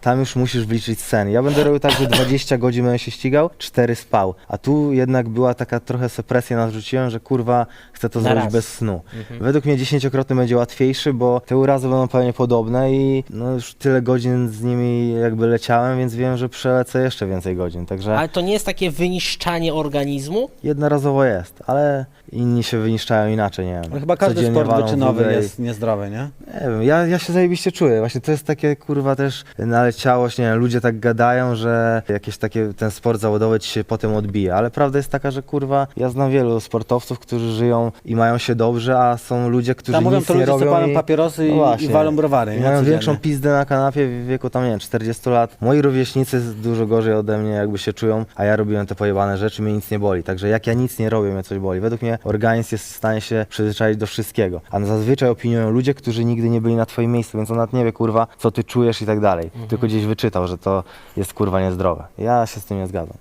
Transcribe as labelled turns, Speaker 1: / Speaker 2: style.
Speaker 1: tam już musisz wliczyć sen. Ja będę robił tak, że 20 godzin będę się ścigał, 4 spał. A tu jednak była taka trochę presję narzuciłem, że kurwa chcę to
Speaker 2: Na
Speaker 1: zrobić
Speaker 2: raz.
Speaker 1: bez snu. Według mnie 10-krotny będzie łatwiejszy, bo te urazy będą pewnie podobne i no już tyle godzin z nimi jakby leciałem, więc wiem, że przelecę jeszcze więcej godzin. Także
Speaker 2: Ale to nie jest takie wyniszczanie organizmu?
Speaker 1: jednorazowo jest, ale inni się wyniszczają inaczej, nie wiem.
Speaker 3: No chyba każdy
Speaker 1: Codziennie
Speaker 3: sport
Speaker 1: walą
Speaker 3: wyczynowy
Speaker 1: wódę i-
Speaker 3: jest niezdrowy, nie?
Speaker 1: Nie wiem, ja się zajebiście czuję. Właśnie to jest takie kurwa też naleciałość, nie wiem, ludzie tak gadają, że jakieś takie ten sport zawodowy ci się potem odbija, ale prawda jest taka, że kurwa ja znam wielu sportowców, którzy żyją i mają się dobrze, a są ludzie, którzy
Speaker 3: Tam mówią
Speaker 1: nic
Speaker 3: to
Speaker 1: nie
Speaker 3: ludzie, co
Speaker 1: robią
Speaker 3: palą
Speaker 1: i...
Speaker 3: papierosy
Speaker 1: No właśnie.
Speaker 3: i walą browary,
Speaker 1: I
Speaker 3: nie?
Speaker 1: mają
Speaker 3: Codziennie.
Speaker 1: większą pizdę na kanapie w wieku tam, nie wiem, 40 lat. Moi rówieśnicy dużo gorzej ode mnie jakby się czują, a ja robiłem te pojebane rzeczy, mnie nic nie boli. Także jak ja nic nie robię, mnie coś boli. Według mnie organizm jest w stanie się przyzwyczaić do wszystkiego. A zazwyczaj opiniują ludzie, którzy nigdy nie byli na twoim miejscu, więc on nawet nie wie, kurwa, co ty czujesz i tak dalej. Tylko gdzieś wyczytał, że to jest kurwa niezdrowe. Ja się z tym nie zgadzam.